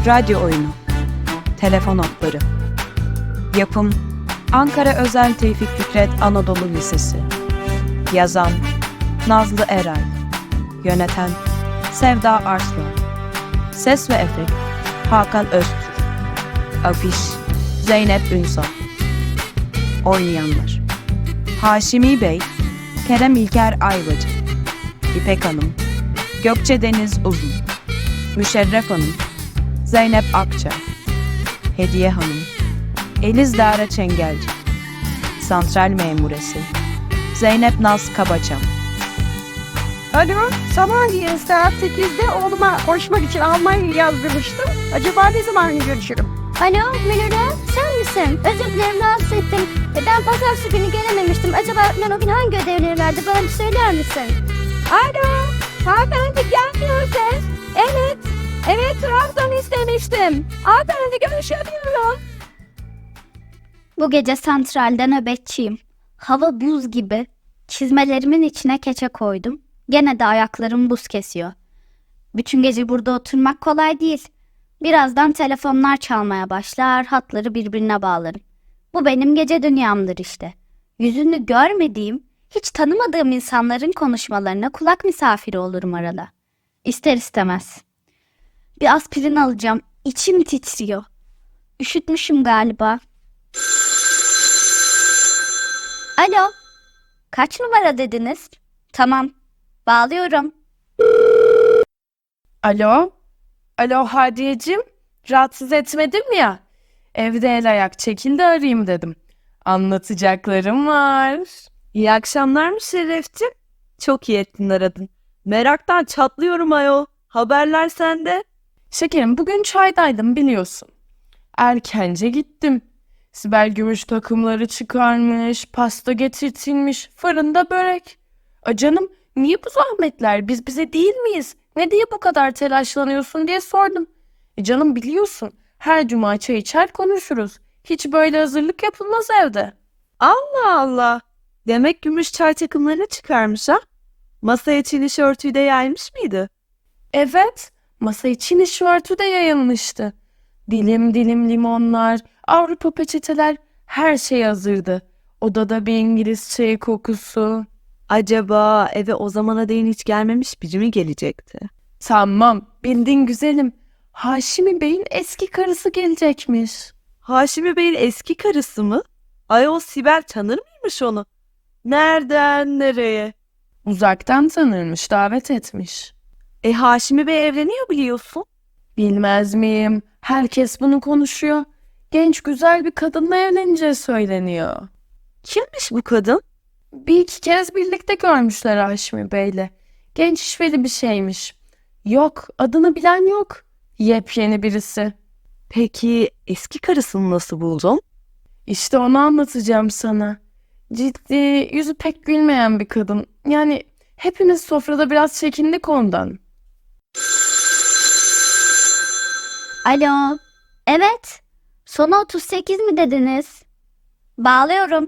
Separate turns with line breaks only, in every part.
Radyo oyunu. Telefon hatları. Yapım Ankara Özel Tevfik Fikret Anadolu Lisesi. Yazan Nazlı Eray. Yöneten Sevda Arslan. Ses ve efekt Hakan Öztürk. Afiş Zeynep Ünsal. Oynayanlar: Haşimi Bey, Kerem İlker Ayvacı, İpek Hanım, Gökçe Deniz Uzun, Müşerref Hanım, Zeynep Akça, Hediye Hanım, Eliz Dara Çengelci, Santral Memuresi, Zeynep Naz Kabaçam.
Alo, sabahleyin saat 8'de oğluma koşmak için Almanya'ya yazdırmıştım. Acaba ne zaman görüşürüm?
Alo Münir'e, sen misin? Özür dilerim, rahatsız ettim. Ben pazartesi günü gelememiştim. Acaba öğretmen o gün hangi ödevleri verdi? Bana bir söyler misin?
Alo, hanımefendi gelmiyor ses. Evet, Trabzon istemiştim. Hanımefendi görüşemiyorum.
Bu gece santralde nöbetçiyim. Hava buz gibi. Çizmelerimin içine keçe koydum. Gene de ayaklarım buz kesiyor. Bütün gece burada oturmak kolay değil. Birazdan telefonlar çalmaya başlar, hatları birbirine bağlarım. Bu benim gece dünyamdır işte. Yüzünü görmediğim, hiç tanımadığım insanların konuşmalarına kulak misafiri olurum arada. İster istemez. Bir aspirin alacağım, içim titriyor. Üşütmüşüm galiba. Alo, kaç numara dediniz? Tamam, bağlıyorum.
Alo Hadiyeciğim, rahatsız etmedim ya. Evde el ayak çekildi, arayayım dedim. Anlatacaklarım var.
İyi akşamlar Müşerrefciğim. Çok iyi ettin aradın. Meraktan çatlıyorum ayol. Haberler sende.
Şekerim, bugün çaydaydım biliyorsun. Erkence gittim. Sibel gümüş takımları çıkarmış, pasta getirtilmiş, fırında börek. Canım, niye bu zahmetler, biz bize değil miyiz? Ne diye bu kadar telaşlanıyorsun diye sordum. Canım biliyorsun, her cuma çay içer konuşuruz. Hiç böyle hazırlık yapılmaz evde.
Allah Allah. Demek gümüş çay takımlarını çıkarmış ha? Masaya Çin örtüyü de yaymış mıydı?
Evet, masa için işörtü de yayılmıştı. Dilim dilim limonlar, Avrupa peçeteler, her şey hazırdı. Odada bir İngiliz çayı kokusu.
Acaba eve o zamana değin hiç gelmemiş biri mi gelecekti?
Tamam, bildin güzelim. Haşimi Bey'in eski karısı gelecekmiş.
Haşimi Bey'in eski karısı mı? Ayol Sibel tanır mıymış onu? Nereden nereye?
Uzaktan tanırmış, davet etmiş.
Haşimi Bey evleniyor biliyorsun.
Bilmez miyim? Herkes bunu konuşuyor. Genç güzel bir kadınla evleneceği söyleniyor.
Kimmiş bu kadın?
Bir iki kez birlikte görmüşler Haşimi Bey'le. Genç işveli bir şeymiş. Yok, adını bilen yok. Yepyeni birisi.
Peki eski karısını nasıl buldun?
İşte onu anlatacağım sana. Ciddi, yüzü pek gülmeyen bir kadın. Yani hepimiz sofrada biraz çekindik ondan.
Alo, evet. Sonu 38 mi dediniz? Bağlıyorum.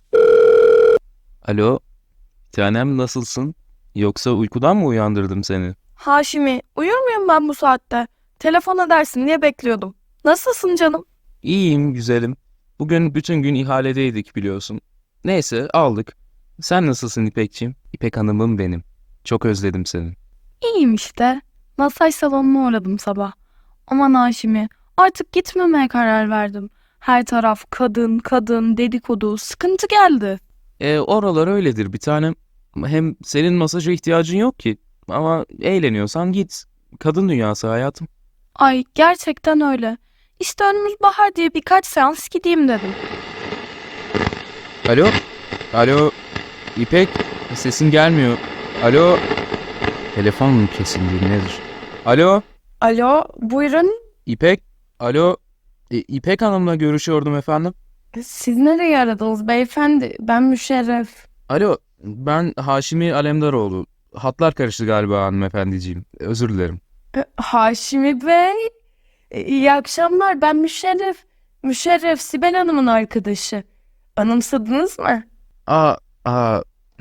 Alo, bir tanem nasılsın? Yoksa uykudan mı uyandırdım seni?
Haşimi, uyur muyum ben bu saatte? Telefon edersin diye bekliyordum. Nasılsın canım?
İyiyim, güzelim. Bugün bütün gün ihaledeydik biliyorsun. Neyse, aldık. Sen nasılsın İpekciğim? İpek Hanım'ım benim. Çok özledim seni.
İyiyim işte. Masaj salonuna uğradım sabah. Aman Haşimi, artık gitmemeye karar verdim. Her taraf kadın dedikodu, sıkıntı geldi.
Oralar öyledir bir tanem. Hem senin masaja ihtiyacın yok ki. Ama eğleniyorsan git. Kadın dünyası hayatım.
Ay gerçekten öyle. İşte önümüz bahar diye birkaç seans gideyim dedim.
Alo, İpek, sesin gelmiyor. Alo, telefon mu kesildi nedir?
Alo, buyurun.
İpek, alo, İpek Hanım'la görüşüyordum efendim.
Siz nereye aradınız beyefendi? Ben Müşerref.
Alo, ben Haşimi Alemdaroğlu. Hatlar karıştı galiba hanımefendiciğim. Özür dilerim.
Haşimi Bey. İyi akşamlar, ben Müşerref. Müşerref Sibel Hanım'ın arkadaşı. Anımsadınız mı?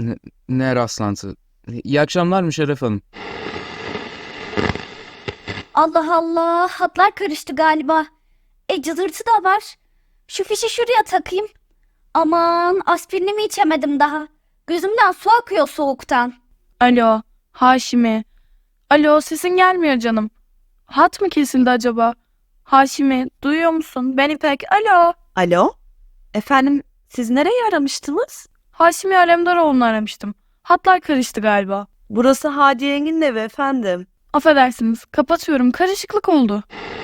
Ne rastlantı. İyi akşamlar Müşerref Hanım.
Allah Allah, hatlar karıştı galiba. Cızırtı da var. Şu fişi şuraya takayım. Aman, aspirinimi içemedim daha. Gözümden su akıyor soğuktan.
Alo, Haşimi. Alo, sesin gelmiyor canım. Hat mı kesildi acaba? Haşimi, duyuyor musun? Ben İpek. Alo.
Alo? Efendim, siz nereyi aramıştınız?
Haşimi Alemdaroğlu'nu aramıştım. Hatlar karıştı galiba.
Burası Hadi Yengi'nin evi efendim.
Affedersiniz, kapatıyorum. Karışıklık oldu.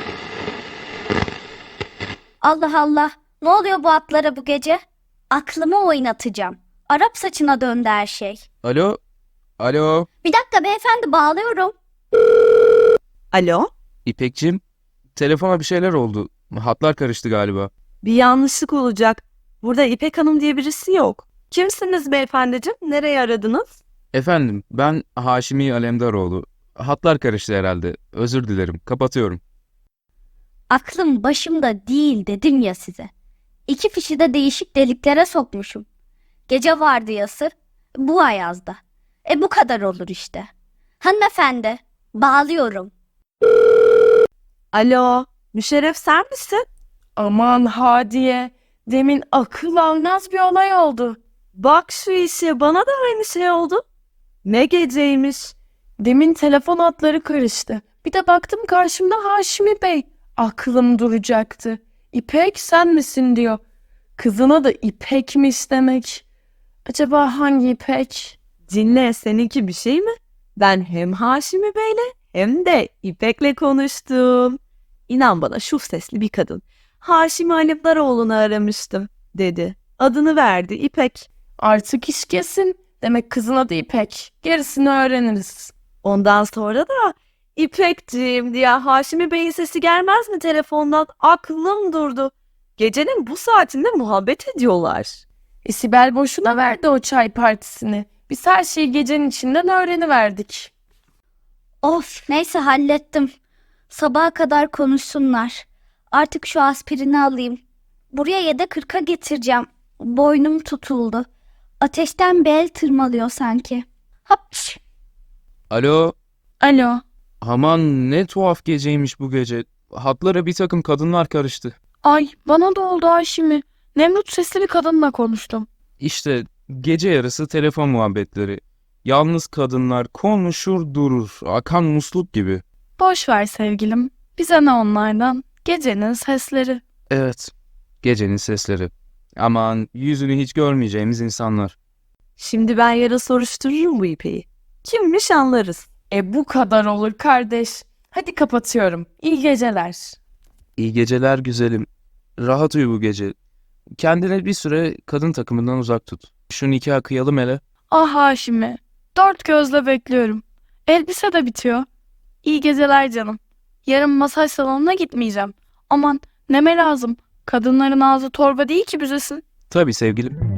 Allah Allah, ne oluyor bu atlara bu gece? Aklımı oynatacağım. Arap saçına döndü her şey.
Alo? Alo?
Bir dakika beyefendi, bağlıyorum.
Alo?
İpekçim? Telefona bir şeyler oldu. Hatlar karıştı galiba.
Bir yanlışlık olacak. Burada İpek Hanım diye birisi yok. Kimsiniz beyefendiciğim? Nereye aradınız?
Efendim, ben Haşimi Alemdaroğlu. Hatlar karıştı herhalde. Özür dilerim. Kapatıyorum.
Aklım başımda değil dedim ya size. 2 fişi de değişik deliklere sokmuşum. Gece vardiyası, bu ayazda. Bu kadar olur işte. Hanımefendi, bağlıyorum.
Alo, Müşerref sen misin?
Aman Hadiye, demin akıl almaz bir olay oldu.
Bak şu işe, bana da aynı şey oldu. Ne geceymiş.
Demin telefon hatları karıştı. Bir de baktım karşımda Haşimi Bey. Aklım duracaktı. İpek sen misin diyor. Kızına da İpek'miş demek. Acaba hangi İpek?
Dinle, seninki bir şey mi? Ben hem Haşimi Bey'le hem de İpek'le konuştum. İnan bana, şu sesli bir kadın. Haşimi Alemdaroğlu'nu aramıştım dedi. Adını verdi, İpek.
Artık iş kesin. Demek kızın adı İpek. Gerisini öğreniriz.
Ondan sonra da İpekciğim diye Haşimi Bey'in sesi gelmez mi telefondan? Aklım durdu. Gecenin bu saatinde muhabbet ediyorlar.
Sibel boşuna verdi o çay partisini. Biz her şeyi gecenin içinden öğreniverdik.
Of, neyse hallettim. Sabaha kadar konuşsunlar. Artık şu aspirini alayım. Buraya yedek 40'a getireceğim. Boynum tutuldu. Ateşten bel tırmalıyor sanki. Hapş.
Alo?
Alo.
Aman ne tuhaf geceymiş bu gece. Hatlara bir takım kadınlar karıştı.
Ay, bana da oldu Haşimi. Nemrut sesli bir kadınla konuştum.
İşte gece yarısı telefon muhabbetleri. Yalnız kadınlar konuşur durur. Akan musluk gibi.
Boş ver sevgilim. Bize ne onlardan? Gecenin sesleri.
Evet. Gecenin sesleri. Aman yüzünü hiç görmeyeceğimiz insanlar.
Şimdi ben yarın soruştururum bu İpek'i. Kimmiş anlarız.
Bu kadar olur kardeş. Hadi kapatıyorum. İyi geceler.
İyi geceler güzelim. Rahat uyu bu gece. Kendine bir süre kadın takımından uzak tut. Şu nikahı kıyalım hele.
Ah Haşimi. 4 gözle bekliyorum. Elbise de bitiyor. İyi geceler canım. Yarın masaj salonuna gitmeyeceğim. Aman neme lazım. Kadınların ağzı torba değil ki büzesin.
Tabii sevgilim.